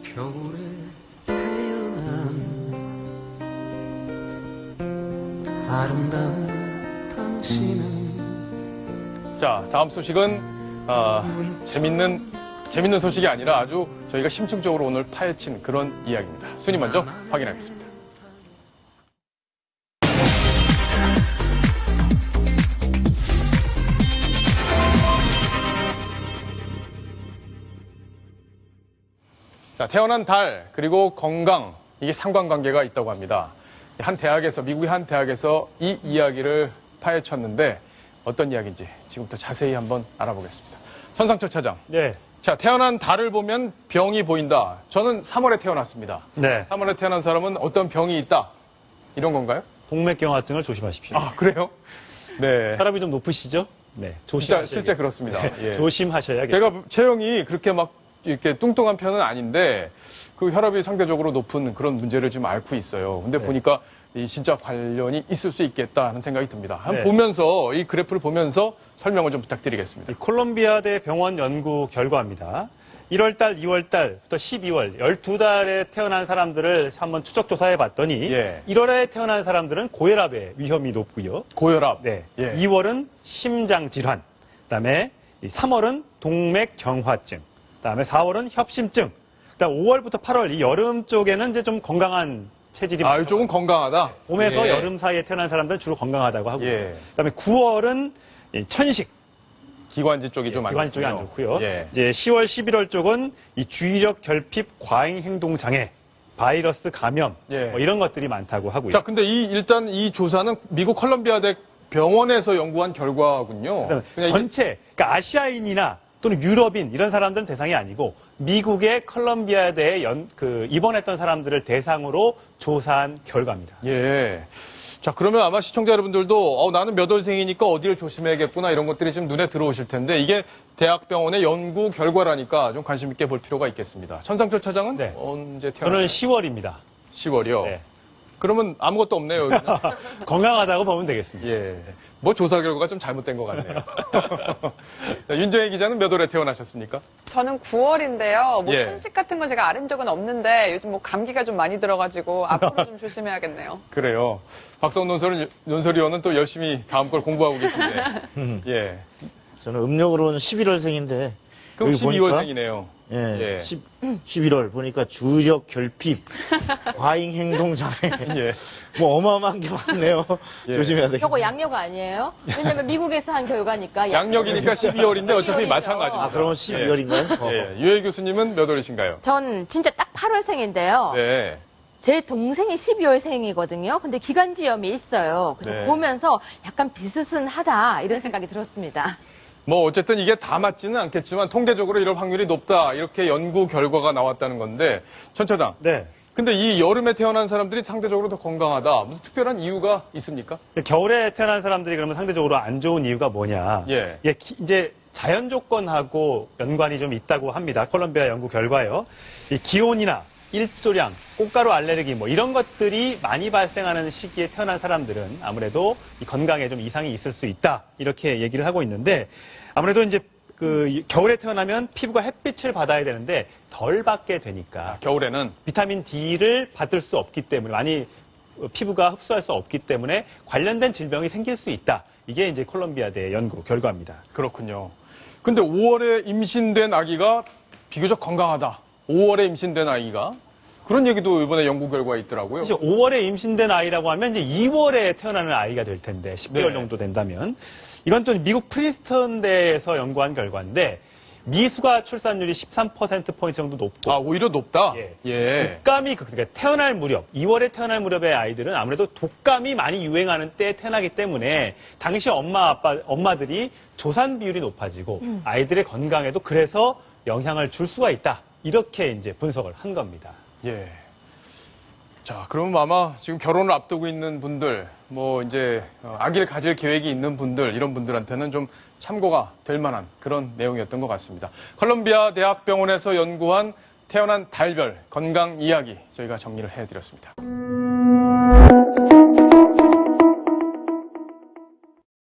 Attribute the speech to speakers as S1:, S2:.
S1: 겨울에 태어난 아름다운 당신은.
S2: 자, 다음 소식은 재밌는 소식이 아니라 아주 저희가 심층적으로 오늘 파헤친 그런 이야기입니다. 순위 먼저 확인하겠습니다. 자, 태어난 달, 그리고 건강, 이게 상관관계가 있다고 합니다. 미국의 한 대학에서 이 이야기를 파헤쳤는데 어떤 이야기인지 지금부터 자세히 한번 알아보겠습니다. 천상철 차장.
S3: 네.
S2: 자, 태어난 달을 보면 병이 보인다. 저는 3월에 태어났습니다.
S3: 네.
S2: 3월에 태어난 사람은 어떤 병이 있다. 이런 건가요?
S3: 동맥경화증을 조심하십시오.
S2: 아, 그래요? 네.
S3: 혈압이 좀 높으시죠? 네.
S2: 진짜 실제 그렇습니다.
S3: 네.
S2: 예.
S3: 조심하셔야겠죠.
S2: 제가 체형이 그렇게 막 이렇게 뚱뚱한 편은 아닌데 그 혈압이 상대적으로 높은 그런 문제를 지금 앓고 있어요. 근데
S3: 네.
S2: 보니까 이 진짜 관련이 있을 수 있겠다 하는 생각이 듭니다. 한번
S3: 네.
S2: 보면서 이 그래프를 보면서 설명을 좀 부탁드리겠습니다.
S3: 이 콜롬비아대 병원 연구 결과입니다. 1월달, 2월달부터 12월 12달에 태어난 사람들을 한번 추적 조사해 봤더니
S2: 예.
S3: 1월에 태어난 사람들은 고혈압의 위험이 높고요.
S2: 고혈압.
S3: 네.
S2: 예.
S3: 2월은 심장 질환. 그다음에 3월은 동맥경화증. 그다음에 4월은 협심증. 그다음 5월부터 8월 이 여름 쪽에는 이제 좀 건강한 체질이
S2: 아, 이쪽은 건강하다.
S3: 봄에서
S2: 예.
S3: 여름 사이에 태어난 사람들은 주로 건강하다고 하고요.
S2: 예.
S3: 그다음에 9월은 천식.
S2: 기관지 쪽이 좀 안
S3: 기관지 쪽이 안 좋고요.
S2: 예.
S3: 이제 10월, 11월 쪽은 이 주의력 결핍 과잉 행동 장애, 바이러스 감염
S2: 예.
S3: 뭐 이런 것들이 많다고 하고요.
S2: 자, 근데 일단 이 조사는 미국 콜롬비아대 병원에서 연구한 결과군요.
S3: 그다음에 전체, 그러니까 아시아인이나 또는 유럽인 이런 사람들은 대상이 아니고 미국의 콜롬비아대에 입원했던 사람들을 대상으로 조사한 결과입니다.
S2: 예. 자, 그러면 아마 시청자 여러분들도 나는 몇 월생이니까 어디를 조심해야겠구나 이런 것들이 좀 눈에 들어오실 텐데 이게 대학병원의 연구 결과라니까 좀 관심 있게 볼 필요가 있겠습니다. 천상철 차장은
S3: 네.
S2: 언제 태어났나요?
S3: 저는 10월입니다.
S2: 10월이요?
S3: 네.
S2: 그러면 아무것도 없네요, 여기는.
S3: 건강하다고 보면 되겠습니다.
S2: 예. 뭐 조사 결과가 좀 잘못된 것 같네요. 윤정혜 기자는 몇 월에 태어나셨습니까?
S4: 저는 9월인데요. 뭐
S2: 예.
S4: 천식 같은 거 제가 앓은 적은 없는데 요즘 뭐 감기가 좀 많이 들어가지고 앞으로 좀 조심해야겠네요.
S2: 그래요. 박성 논설위원은 또 열심히 다음 걸 공부하고 계신데. 예.
S5: 저는 음력으로는 11월생인데.
S2: 그럼 12월생이네요.
S5: 예. 11월 보니까 주의력 결핍, 과잉 행동 장애.
S2: 예.
S5: 뭐 어마어마한 게 많네요.
S2: 예.
S5: 조심해야 되겠네요.
S6: 저거 양력 아니에요? 왜냐면 미국에서 한 결과니까.
S2: 양력이니까 12월인데 어차피
S6: 12월이죠.
S2: 마찬가지입니다.
S5: 아, 그러면 12월인가요?
S2: 예. 유해 교수님은 몇 월이신가요?
S6: 전 진짜 딱 8월생인데요.
S2: 네.
S6: 제 동생이 12월생이거든요. 근데 기관지염이 있어요. 그래서
S2: 네.
S6: 보면서 약간 비슷하다 이런 생각이 들었습니다.
S2: 뭐 어쨌든 이게 다 맞지는 않겠지만 통계적으로 이럴 확률이 높다 이렇게 연구 결과가 나왔다는 건데 천 차장.
S3: 네.
S2: 근데 이 여름에 태어난 사람들이 상대적으로 더 건강하다. 무슨 특별한 이유가 있습니까?
S3: 겨울에 태어난 사람들이 그러면 상대적으로 안 좋은 이유가 뭐냐.
S2: 예.
S3: 이제 자연 조건하고 연관이 좀 있다고 합니다. 콜롬비아 연구 결과요. 이 기온이나 일조량, 꽃가루 알레르기 뭐 이런 것들이 많이 발생하는 시기에 태어난 사람들은 아무래도 이 건강에 좀 이상이 있을 수 있다. 이렇게 얘기를 하고 있는데 아무래도 이제 겨울에 태어나면 피부가 햇빛을 받아야 되는데 덜 받게 되니까
S2: 겨울에는
S3: 비타민 D를 받을 수 없기 때문에 많이 피부가 흡수할 수 없기 때문에 관련된 질병이 생길 수 있다. 이게 이제 콜롬비아대 연구 결과입니다.
S2: 그렇군요. 근데 5월에 임신된 아기가 비교적 건강하다. 5월에 임신된 아이가 그런 얘기도 이번에 연구 결과에 있더라고요.
S3: 사실 5월에 임신된 아이라고 하면 이제 2월에 태어나는 아이가 될 텐데 10개월
S2: 네.
S3: 정도 된다면 이건 또 미국 프린스턴대에서 연구한 결과인데 미숙아 출산율이 13%포인트 정도 높고
S2: 아, 오히려 높다?
S3: 예. 독감이 그러니까 태어날 무렵 2월에 태어날 무렵의 아이들은 아무래도 독감이 많이 유행하는 때에 태어나기 때문에 당시 엄마들이 조산 비율이 높아지고 아이들의 건강에도 그래서 영향을 줄 수가 있다. 이렇게 이제 분석을 한 겁니다.
S2: 예. 자, 그러면 아마 지금 결혼을 앞두고 있는 분들, 뭐 이제 아기를 가질 계획이 있는 분들, 이런 분들한테는 좀 참고가 될 만한 그런 내용이었던 것 같습니다. 콜롬비아 대학병원에서 연구한 태어난 달별 건강 이야기 저희가 정리를 해드렸습니다.